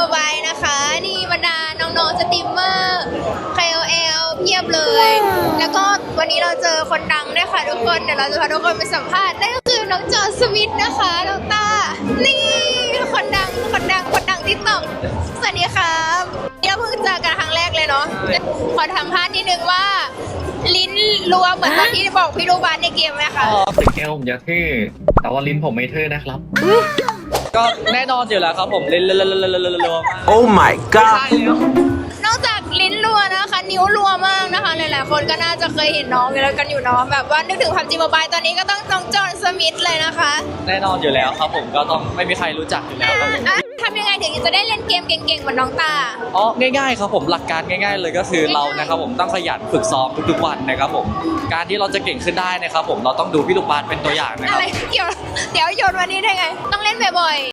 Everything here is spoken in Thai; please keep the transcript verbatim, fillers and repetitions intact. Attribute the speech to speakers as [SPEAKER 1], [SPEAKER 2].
[SPEAKER 1] Mobile นะคะนี่บรรดาน้องๆสตรีมเมอร์ เค โอ แอล เพียบเลย แล้วก็วันนี้เราเจอคนดังด้วยค่ะทุกคนเดี๋ยวเราจะพาทุกคนไปสัมภาษณ์นั่นก็คือน้องจอสวิตนะคะน้องตานี่คนดังคนดังคนดังติ๊กต็อกสวัสดีครับเราเพิ่งเจอกันครั้งแรกเลยเนาะขอสัมภาษณ์นิดนึงว่าลิ้นรัวเหมือนตอนที่บอกพี่ลูกบาสในเกมไหมคะ
[SPEAKER 2] ถึงแก้วผมจะเท่แต่ว่าลิ้นผมไม่เท่นะครับ
[SPEAKER 3] ก็แน่นอนอยู่แล้วครับผมเล่นๆๆๆๆ
[SPEAKER 4] Oh my
[SPEAKER 3] ๆ
[SPEAKER 4] god
[SPEAKER 3] ใช่แล้ว
[SPEAKER 1] นอกจากลิ้นรัวนะคะนิ้วรัวมากนะคะหลายๆคนก็น่าจะเคยเห็นน้องอยู่แล้วกันอยู่เนาะแบบว่านึกถึงพับจีโมบายตอนนี้ก็ต้องน้องจอห์นสมิธเลยนะคะ
[SPEAKER 3] แน่นอนอยู่แล้วครับผมก็ต้องไม่มีใครรู้จักอยู่แล้วครับผม
[SPEAKER 1] อ่ะทำยังไงถึงจะได้เล่นเกมเก่งๆเหมือนน้องตา
[SPEAKER 3] อ๋อง่ายๆครับผมหลักการง่าย ๆ เลยก็คือเรานะครับผมต้องขยันฝึกซ้อมทุกๆวันนะครับผมการที่เราจะเก่งขึ้นได้นะครับผมเราต้องดูพี่ลูกบาสเป็นตัวอย่างนะค
[SPEAKER 1] อะ
[SPEAKER 3] รับ
[SPEAKER 1] ไรเกี่ยวเดี๋ยวโยนวันนี้ได้ไง ต้องเล่นบ่อยๆ